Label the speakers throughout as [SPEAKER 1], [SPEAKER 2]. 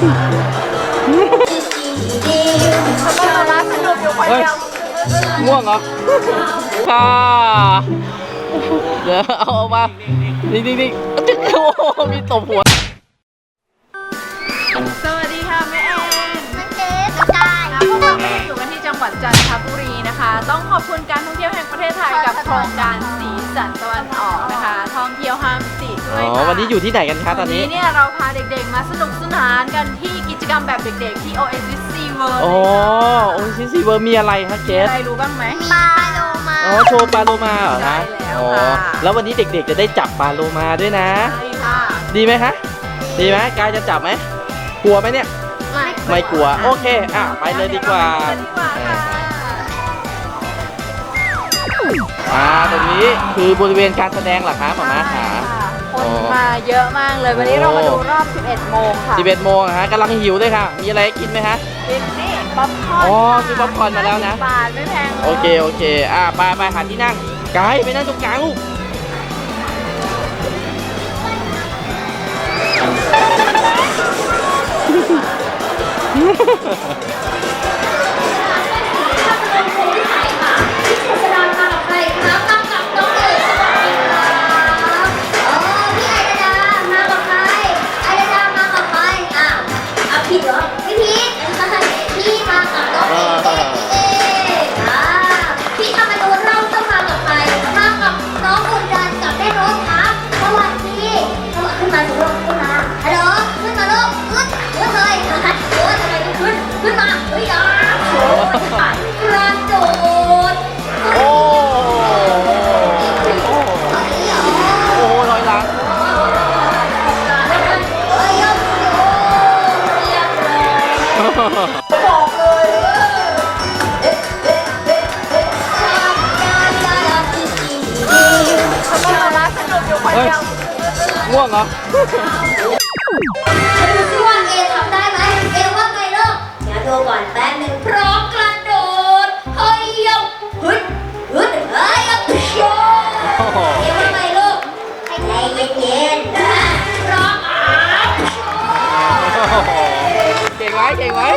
[SPEAKER 1] ทำไมมาม่าสนุกอยู่คนเดียว
[SPEAKER 2] ง่วงเหรอค่ะเดี๋ยวเอามานี่โอ้โหมีตบหัว
[SPEAKER 1] สวัสดีค่ะแม่แอน
[SPEAKER 3] มันเจ๊กระจาย
[SPEAKER 1] พวกเราอยู่กันที่จังหวัดจันทบุรีนะคะ ต้องขอบคุณการท่องเที่ยวแห่งประเทศไทยกับโครงการสีสันตะวันออกนะคะท่องเที่ยวห้ามติดด้วยค่ะ
[SPEAKER 2] วันนี้อยู่ที่ไหนกันคะตอนนี้
[SPEAKER 1] เนี่ยเราพาเด็กๆมาสนุกสนานกันที่กิจกรรมแบบเด็กๆที่ Oasis Sea World
[SPEAKER 2] โอ้โอ้ซิเวอร์มีอะไรคะเกส
[SPEAKER 1] อะไรรู้บ้างไหม
[SPEAKER 3] ปลาโลมา
[SPEAKER 2] อ๋อโชว์ปลาโลมาเหรอคะ
[SPEAKER 1] ใช่แล้ว
[SPEAKER 2] อ๋อ
[SPEAKER 1] ค่ะ
[SPEAKER 2] แล้ววันนี้เด็กๆจะได้จับปลาโลมาด้วยนะ
[SPEAKER 1] ใช่ค่ะ
[SPEAKER 2] ดีไหมคะดีไหมกายจะจับไหมกลัวไหมเนี่ยไม่กลัวโอเคไปเลยดีกว่า ตรงนี้คือบริเวณการแสดงเหรอคะหมอม้าขา
[SPEAKER 1] คนมาเยอะมากเลยวันนี้เรามาดูรอบ 11 โมงค่ะ
[SPEAKER 2] 11 โมงฮะกำลังหิวเลยค่ะ มีอะไรให้กินไหมฮะ
[SPEAKER 1] นี่ป๊อปคอร์น
[SPEAKER 2] อ๋อซื้อป๊อปคอร์นมาแล้วนะ
[SPEAKER 1] บาทไม่แพงเลย
[SPEAKER 2] โอเคไปหาที่นั่งกายไปนั่งตรงกลางลูก
[SPEAKER 3] แสดงมากับใครครับมากับน้องเอ๋สวัสดีครับพี่ไอดามากับใครไอดามากับใครผิดเหรอพี่พีทพี่มากับน้องเอ๋พี่ทำมาดูเราต้องมากับใครมากับน้องอุ่นดันกับแม่รถครับสวัสดีขึ้นมาสิลูกขึ้นมาฮัลโหลขึ้นมาลูกขึ้นเลยทำไมไม่ขึ้นมาเฮ้ยโอ้ยกระโดด
[SPEAKER 2] โอ้ลอยหลัง
[SPEAKER 1] ทำไมมาม่าสนุกอยู่คนเดียว
[SPEAKER 2] ง่วงเหรอ
[SPEAKER 3] ดูซิว่าเอทำได้ไหมเอว่าไงลูกเดี๋ยวดูก่อนแป๊บนึงพร้อมกระโดดเฮ้ยยับฮึดเฮ้ยยับโชเอว่าไงลูกใจเย็นๆพร้อม
[SPEAKER 2] เก่งไหมโอ้ยเดินมา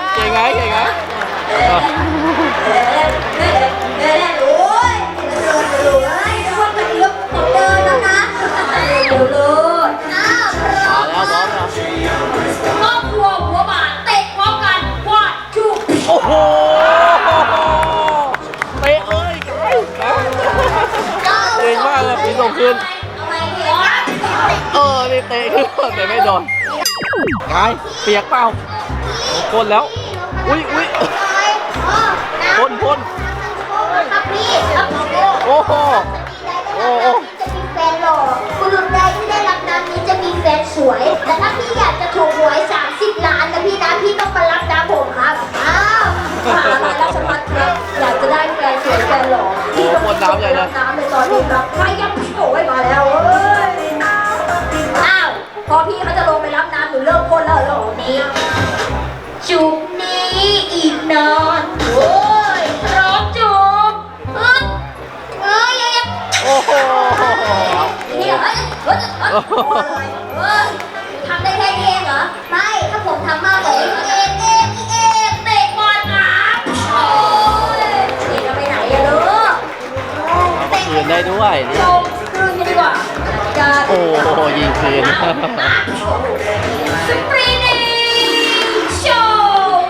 [SPEAKER 2] แล้วนะเดี๋ยวลูกพร้อมครอบครัวหัวบาทเตะพร้อมกันว่าจุกโอ้โหเตะเลยเก่งมากเลยพี่ส่งคืนนี่เตะขึ้นแต่ไม่โดนกายเปียกเปล่าพ่นแล้วอุ้ยพ่นโอ้โห
[SPEAKER 3] จะมีแฟนหล่อคุณลุงใดที่ได้รับน้ำนี้จะมีแฟนสวยแต่ถ้าพี่อยากจะถูกหวย30 ล้านนะพี่ต้องมารับน้ำผมครับมหาลัยราชภัฏครับอยากจะได้แฟนสวยแฟนหล่อพี่ต้องมารับน้ำในตอนนี้ครับใครยังโอ้ยมาแล้วพอพี่เขาจะลงไปรับน้ำหนูเลิกพ่นแล้วหล่อนี้จุกนี้อีกนานโอ้ยพร้อมจุก
[SPEAKER 2] โอ้โห
[SPEAKER 3] นี่เหรอทำได้แค่นี้เองเหรอไม่ถ้าผมทำมากกว่านี้เองเตะบอลนะโอ้ยนี่จะไปไหนอะลูก
[SPEAKER 2] คืนได้ด้วยนี่
[SPEAKER 3] ลงคืนกันดีกว่า
[SPEAKER 2] โอ้โหยิงคืน
[SPEAKER 3] สปริงโชว์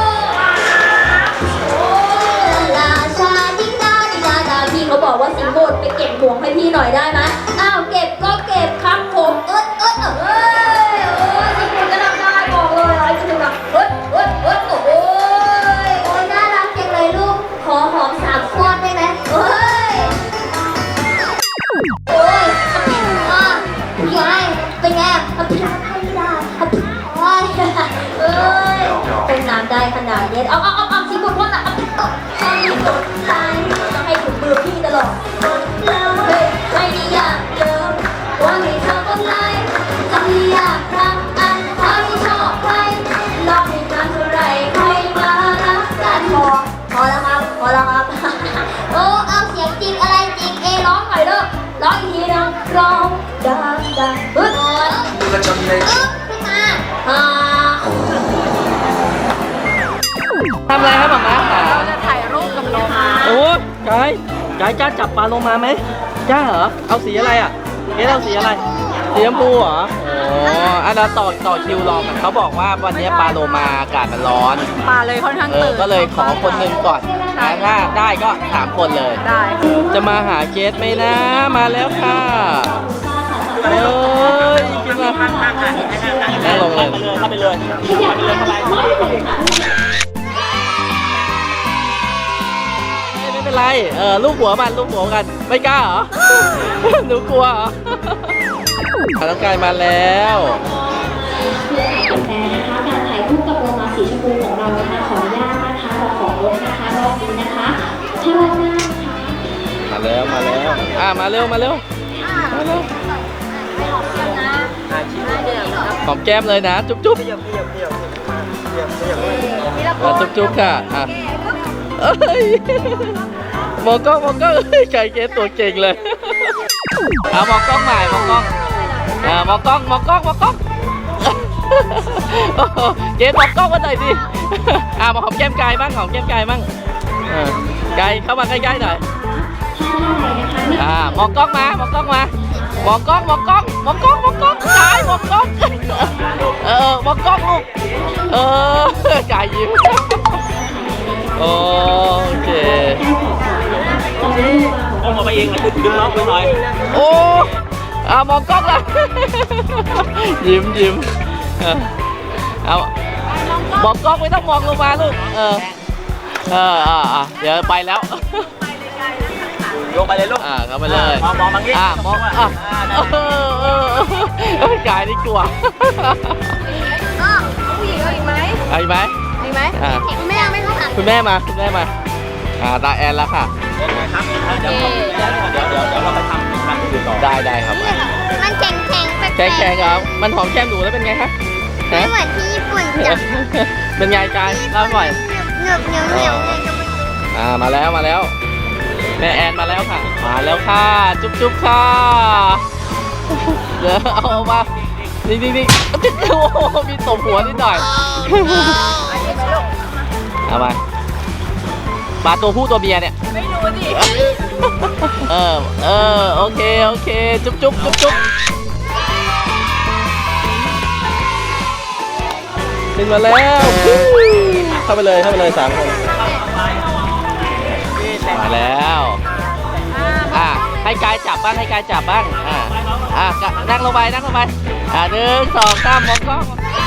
[SPEAKER 3] ลาชาดิดาพี่เขาบอกว่าสิงโบดไปเก็บห่วงให้พี่หน่อยได้ไหมเก็บก็เก็บครับผมสิงโบดก็ทำได้บอกเลยอะไรจะดูแบบโอ้ยน่ารักจังเลยลูกขอหอม3 ฟอดได้ไหมโอ้ยเป็นไงเป็นน้ำได้ขนาดนี้สิงโบดพ่นอ่ะให้ถึงมือพี่ตลอดไม่ได้อยากเดิมว่าให้เธอต้องไล่จะไม่อยากรักอันถ้าไม่ชอบใครรอให้นานเท่าไรใครมารักกันพอแล้วครับเอาเสียงจริงอะไรจริงร้องหน่อยเด้อร้องอีกทีนึงร้องดังขึ้นมาข
[SPEAKER 4] อะไรให้หมาม้าหา
[SPEAKER 1] เราจะถ่ายรูปกับโลมา
[SPEAKER 4] โอ้กายกล้าจับปลาโลมาไหมกล้าเหรอเอาสีอะไรอ่ะเอาสีอะไรสีชมพูเหรออ๋ออันนั้นต่อคิวรอกันเขาบอกว่าวันนี้ปลาโลมาอากาศมันร้อน
[SPEAKER 1] ปลาเลยค่อนข้างตื่น
[SPEAKER 4] ก็เลยขอคนหนึ่งก่อนนะถ้าได้ก็3 คนเลย
[SPEAKER 1] ได้
[SPEAKER 4] จะมาหาเกสไหมนะมาแล้วค่ะเอ้ยกินมานั่งลงเลยเข้าไปเลยไม่เป็นไรลูกหัวมันกันไม่กล้าเหรอ หนูกลัวเหรอน้องกายมาแล้ว
[SPEAKER 3] แต่นะคะการถ่ายคู่กับโลมาสีชมพูของเรานะคะขออนุญาตนะคะเราขอลดนะคะรอบนี้นะคะถ้ารอบหน้านะคะ
[SPEAKER 4] มาแล้วมาเร็วหอมแก้มเลยนะจุ๊บจุ๊บค่ะอ่ะเอ้ยมองกล้องไก่เกสตัวเก่งเลยเอามองกล้องใหม่มองกล้องมองกล้องเกสมองกล้องมาหน่อยสิมาหอมแก้มกายบ้างกายเข้ามาใกล้ๆหน่อยมองกล้องมามองกล้องกายมองกล้องลูกมองกล้องลูกกายยิ้มโอเคเอามาเองนะดึงน้องไปหน่อยโอ้มองกล้องละยิ้มเอามองกล้องไม่ต้องมองลงมาลูกเดี๋ยวไปแล้วลงไปเลยลูกเข้าไปเลยมองบางทีมองกายนี่กลัว
[SPEAKER 1] ผู้หญิงเอาอีกไหม
[SPEAKER 4] เอาอีกไหม
[SPEAKER 1] อีกไหมแม่ไม่ต้องอ่าน
[SPEAKER 4] คุณแม่มาตาแอนแล้วค่ะ
[SPEAKER 1] เดี๋ยว
[SPEAKER 4] เราไปทำการอื่นต่อได้ครับ
[SPEAKER 3] มันแข็งแข็งแปลก
[SPEAKER 4] แข็งครับมันหอมแก้มหนูแล้วเป็นไงคะ
[SPEAKER 3] ไม่เหมือนที่ญี่ปุ่นจ้ะ
[SPEAKER 4] เป็นไงกายเล่าหน่อย
[SPEAKER 3] เหนียวเลยก็ไม่รู้
[SPEAKER 4] มาแล้วแม่แอนมาแล้วค่ะจุ๊บค่ะเดี๋ยวเอามานี่โอ้มีตบหัวนิดหน่อยเอามาปลาตัวผู้ตัวเมียเนี่ย
[SPEAKER 1] ไม่รู้ดิ
[SPEAKER 4] โอเคจุ๊บขึ้นมาแล้วเข้าไปเลย3 คนมาแล้วให้กายจับบ้างนั่งลงไป1 2 3มองกล้อง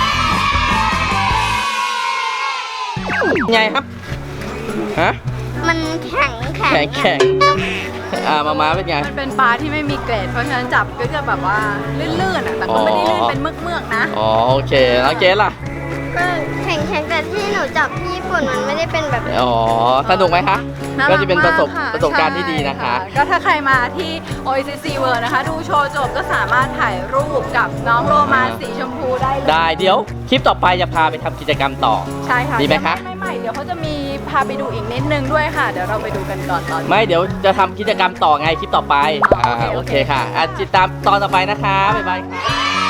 [SPEAKER 4] ไงครับฮะ
[SPEAKER 3] มันแข็ง
[SPEAKER 4] แข็งมาเป็นไง
[SPEAKER 1] มันเป็นปลาที่ไม่มีเกรดเพราะฉะนั้นจับก็จะแบบว่าลื่นๆแต่ก็ไม่ได้ลื่นเป็นเมือกๆนะ
[SPEAKER 4] โอเคแล้วเกสล่ะ
[SPEAKER 3] ก็แข็งแต่ที่หนูจับที่ญี่ปุ่นมันไม่ได้เป็นแบบ
[SPEAKER 4] สนุกไหมคะ
[SPEAKER 1] น่ารั
[SPEAKER 4] ก็จะเป็นประสบ
[SPEAKER 1] มกค่
[SPEAKER 4] การณ์ที่ดีนะคะ
[SPEAKER 1] ใช่ก็ถ้าใครมาที่ OICC World นะคะดูโชว์จบก็สามารถถ่ายรูปกับน้องโลมาสีชมพูได้เลย
[SPEAKER 4] ได้เดี๋ยวคลิปต่อไปจะพาไปทำกิจกรรมต่อ
[SPEAKER 1] ใช่ค่ะ
[SPEAKER 4] ดีไหมคะ
[SPEAKER 1] ไม่เดี๋ยวเขาจะมีพาไปดูอีกนิดนึงด้วยค่ะ เดี๋ยวเราไปดูกันก่อนตอนนี้
[SPEAKER 4] ไม่เดี๋ยวจะทำกิจกรรมต่อไงคลิปต่อไป
[SPEAKER 1] โอเค
[SPEAKER 4] โอเคค่ะติดตามตอนต่อไปนะคะบ๊ายบายค่ะ